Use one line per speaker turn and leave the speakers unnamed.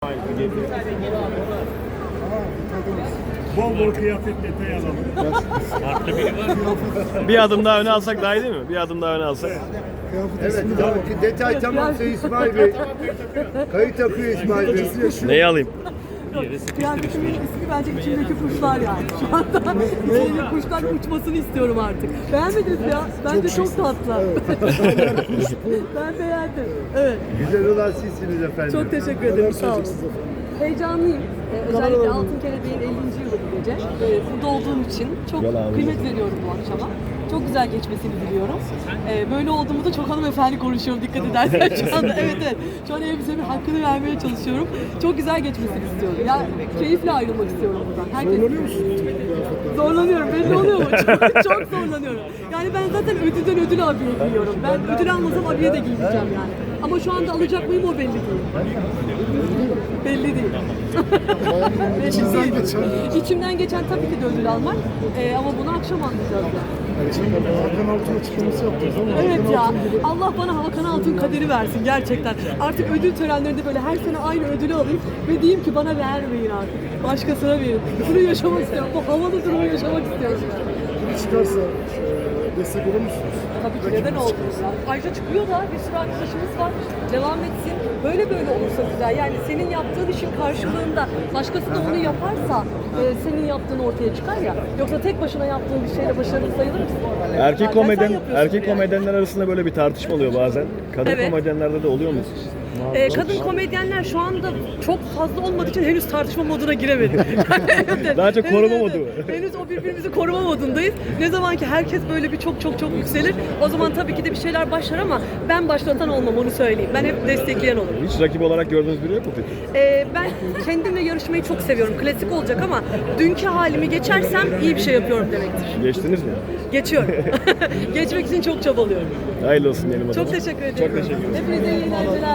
Bol bol kıyafet detayı alalım.
Bir adım daha öne alsak daha iyi değil mi? Bir adım daha öne alsak.
Evet, tabii ki detay tamamsa İsmail Bey. Kayıt akıyor İsmail Bey.
Neyi alayım?
Kıyafetimin ismi bence içimdeki kuşlar yani. Şu anda içimdeki kuşlar uçmasını istiyorum artık. Beğenmediniz ya. Bence çok tatlı. Ben beğendim. Evet.
Güzel olan sizsiniz efendim.
Çok teşekkür ederim. Sağ olun. Heyecanlıyım. Özellikle Altın Kelebeğin 50. yılı bu gece. Burada olduğum için çok kıymet veriyorum bu akşama. Çok güzel geçmesini diliyorum. Böyle olduğumu da çok hanımefendi konuşuyorum dikkat edersen şu anda. Evet evet. Şu an elbisemin hakkını vermeye çalışıyorum. Çok güzel geçmesini istiyorum. Ya keyifle ayrılmak istiyorum buradan. Zorlanıyor musun? Zorlanıyorum. Belli oluyor mu? Çok zorlanıyorum. Yani ben zaten ödülden ödül abiye giyiyorum. Ben ödül almasam abiye de giyeceğim yani. Ama şu anda alacak mıyım o belli değil. Belli değil. Belli değil. İçimden geçen tabii ki de ödül almak. Ama bunu akşam anlayacağız yani.
Hakan Altun açıklaması yaptınız ama.
Evet ya. Allah bana Hakan Altun kaderi versin gerçekten. Artık ödül törenlerinde böyle her sene aynı ödülü alayım ve diyeyim ki bana vermeyin artık. Başkasına verin. Bunu yaşamak istiyorum. Bu havalı durumu yaşamak istiyorum.
Çıkarsa destek olur musunuz?
Tabii ki neden olmuyor ya? Ayrıca çıkıyor da bir sürü arkadaşımız var. Devam etsin. Böyle olursa güzel. Yani senin yaptığın işin karşılığında başkası da onu yaparsa senin yaptığın ortaya çıkar ya. Yoksa tek başına yaptığın bir şeyle başarılı sayılır mısın?
Erkek komedyenler arasında böyle bir tartışma oluyor bazen. Kadın
Evet.
komedyenlerde de oluyor mu?
Kadın komedyenler şu anda çok fazla olmadığı için henüz tartışma moduna giremedi.
Daha çok koruma modu.
Henüz o birbirimizi koruma modundayız. Ne zaman ki herkes böyle bir çok yükselir, o zaman tabii ki de bir şeyler başlar ama ben başlatan olmam, onu söyleyeyim. Ben hep destekleyen olurum.
Hiç rakip olarak gördüğünüz biri yok mu peki?
Ben kendimle yarışmayı çok seviyorum. Klasik olacak ama dünkü halimi geçersem iyi bir şey yapıyorum demektir.
Geçtiniz mi?
Geçiyorum. Geçmek için çok çabalıyorum.
Hayırlı olsun diyelim o zaman.
Çok teşekkür ederim.
Çok teşekkür ederim.
Hepinize iyi eğlenceler.